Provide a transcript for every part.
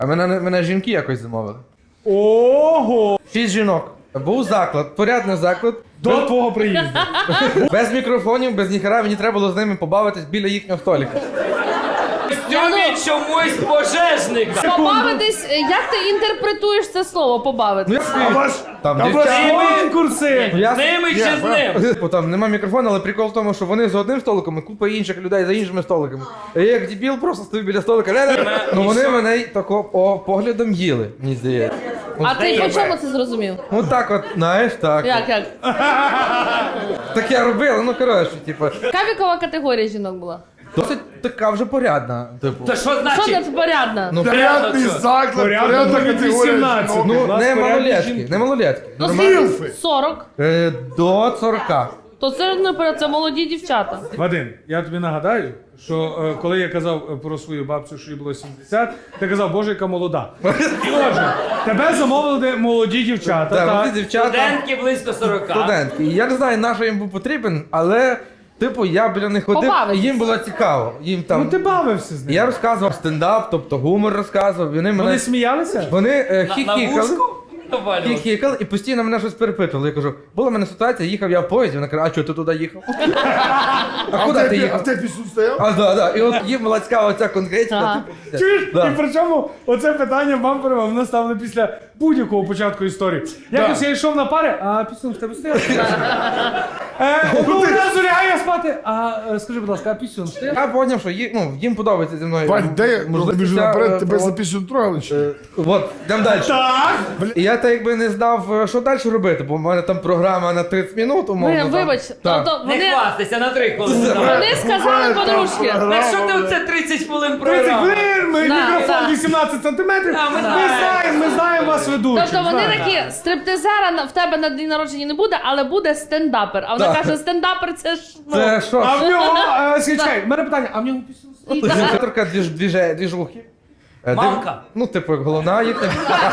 А мене жінки якось замовили. Ого! 6 жінок. Був заклад, порядний заклад. До твого приїзду. Без мікрофонів, без ніхера, мені треба було з ними побавитись біля їхнього столика. Костюмі чомусь пожежника. Побавитись, як ти інтерпретуєш це слово побавитись? Там Там конкурси! Я- З ними чи з ним? Бо там нема мікрофону, але прикол в тому, що вони за одним столиком, і купа інших людей за іншими столиками. А я як дебіл просто стою біля столика. Ну вони мене тако поглядом їли, мені здається. А ти по чому це зрозумів? Ну так от, знаєш, так. Як? Так я робила, ну коротше, типу. Яка вікова категорія жінок була? Досить така вже порядна, типу. Та що Що значить? це порядна? Ну, Порядний заклад, порядна від категорія 18. жінок. ну нас не порядні малолетки, жінки. не малолетки. Ну, Нормально. скільки? 40. До 40. То це не поряд, це молоді дівчата. Вадим, я тобі нагадаю, що коли я казав про свою бабцю, що їй було 70, ти казав, боже, яка молода. Отже, тебе замовили молоді дівчата. Так, так? вони дівчата, Студентки близько 40. студентки. І я не знаю, на що їм був потрібен, але, типу, я біля них ходив, і Побавитись. їм було цікаво. Їм там... Ну ти бавився з ними. Я розказував стендап, тобто гумор розказував, і вони мене... Вони сміялися? Вони На хіхікали. вушку? Навалював. Хіхікали і постійно мене щось перепитували. Я кажу, була в мене ситуація, їхав я в поїзді, вона каже, а чого ти туди їхав? А А куди ти в їхав? тебе пісюн стояв? А, да. І от їм була цікава ця конкретика. Ага. типу, Чуєш? Да. І причому оце питання бампером воно ставлено після будь-якого початку історії. Якось я йшов на пари, а пісюн в тебе стояв? Одного разу лягаю спати, а скажи, будь ласка, а пісюн стояв? Я зрозумів, що їм подобається зі мною. Вань, де я? можливість Тобі ж ця, наперед тебе за от, пісюн трогали чи? От, йдемо далі. Так! І я так якби не знав, що далі робити, бо в мене там програма на 30 минут, умовно. там. Вибач, Так. то Не вони, хвастайся на 3 хвилини. вони сказали подружки. Так що ти оце 30 хвилин 30 програв? хвилин, Да, мікрофон да. 18 сантиметрів. А, ми Ми знаємо вас ведучих. Тобто вони знаємо. такі, стриптизера в тебе на день народження не буде, але буде стендапер. А вона Так. каже, стендапер це ж, ну, Це що? А в нього, скачай, в мене питання, а в нього пісюн стояв? Директорка двіжухи. Мамка. Ну, типу, як головна їхня.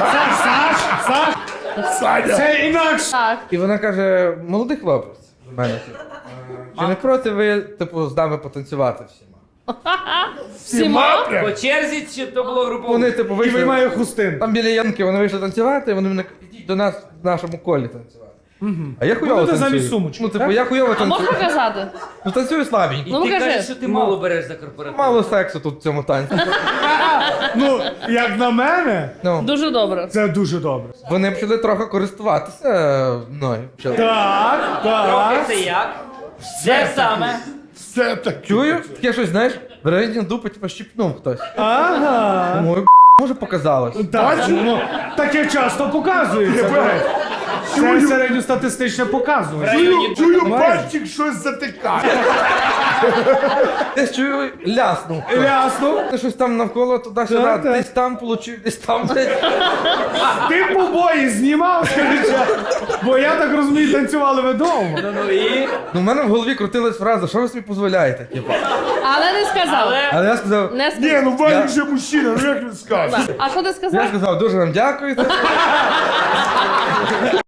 Саня! Це інакше. так. І вона каже, молодий хлопець до мене, типу. Чи не проти ви, типу, з нами потанцювати всіма? Всіма? По черзі чи то було групово? Вони, типу, І вийшли. виймає хустин. Там біля Янки вони вийшли танцювати, і вони мене кажуть, ідіть до нас в нашому колі танцювати. А я хуйово Будете танцюю. замість сумочки, Ну, типу, так? я хуйово А можна танцюю. казати? Ну, танцюю слабенько. Ну, Ти покажи. кажеш, що ти мало береш за корпоратив. Мало сексу тут в цьому танці. Ну, як на мене, Ну, Дуже добре. це дуже добре. вони почали трохи користуватися мною. Почали. Так, Трохи так. це як? Де саме? Все таке. Чую, таке щось, знаєш, в районі дупи, типу, щіпнув хтось. Ага. Думаю, може показалось. Так, ну, таке часто показується. до речі. Це середньостатистичне показує. Чую, пальчик щось затикає. Десь чую, ляснув. Ясно. Ти щось там навколо туди-сюди, Так, так. десь там получив, десь там. Десь. Ти побої знімав, скажи чесно. Бо я так розумію, танцювали ви вдома. Ну і? Ну, в мене в голові крутилась фраза, що ви собі дозволяєте? Типу. Але не сказав. Але... Але я сказав, Не Ні, сказав. ну Ваня вже мужчина, ну як він скаже? А що ти сказав? дуже вам дякую.